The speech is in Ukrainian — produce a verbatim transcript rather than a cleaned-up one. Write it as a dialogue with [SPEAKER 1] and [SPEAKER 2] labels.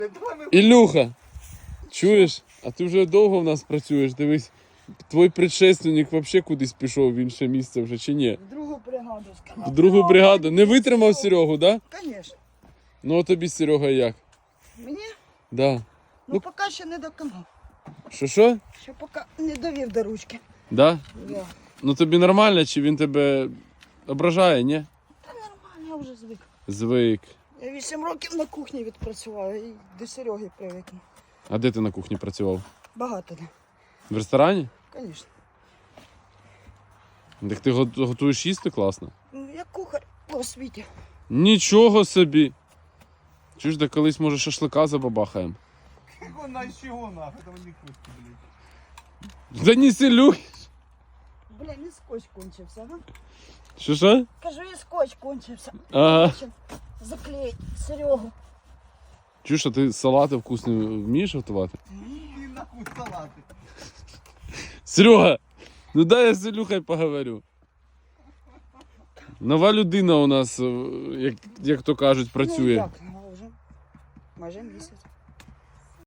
[SPEAKER 1] Ілюха, чуєш? А ти вже довго в нас працюєш? Дивись, твій предшественник взагалі кудись пішов в інше місце вже чи ні?
[SPEAKER 2] В другу бригаду сказав.
[SPEAKER 1] В другу бригаду. Не витримав Серегу, так? Да?
[SPEAKER 2] Звісно.
[SPEAKER 1] Ну а тобі, Серега, як?
[SPEAKER 2] Мені?
[SPEAKER 1] Да.
[SPEAKER 2] Ну,
[SPEAKER 1] Ну,
[SPEAKER 2] поки ще не доконав.
[SPEAKER 1] Що що?
[SPEAKER 2] Ще поки не довів до ручки.
[SPEAKER 1] Да?
[SPEAKER 2] Я.
[SPEAKER 1] Ну тобі нормально, чи він тебе ображає, ні?
[SPEAKER 2] Та нормально, я вже звик.
[SPEAKER 1] Звик.
[SPEAKER 2] Я вісім років на кухні відпрацювала і до Сереги привикну.
[SPEAKER 1] А де ти на кухні працював?
[SPEAKER 2] Багато де.
[SPEAKER 1] В ресторані?
[SPEAKER 2] Звісно.
[SPEAKER 1] Так ти го- готуєш їсти класно?
[SPEAKER 2] Ну, я кухар по освіті.
[SPEAKER 1] Нічого собі. Чуєш, де колись, може, шашлика забабахаємо?
[SPEAKER 3] Вона чого нахуй, там не кусти, блядь.
[SPEAKER 1] Да не селюй!
[SPEAKER 2] Бля, не скотч кончився, га?
[SPEAKER 1] Що що?
[SPEAKER 2] Кажу, і скотч кончився.
[SPEAKER 1] Ага.
[SPEAKER 2] Щоб заклеїть Серегу.
[SPEAKER 1] Чуєш, а ти салати вкусні вмієш готувати?
[SPEAKER 3] Ні, нахуй салати.
[SPEAKER 1] Серега, ну дай я з Ілюхою поговорю. Нова людина у нас, е, як, як то кажуть,
[SPEAKER 2] Ну,
[SPEAKER 1] працює.
[SPEAKER 2] як, ну, вже майже місяць.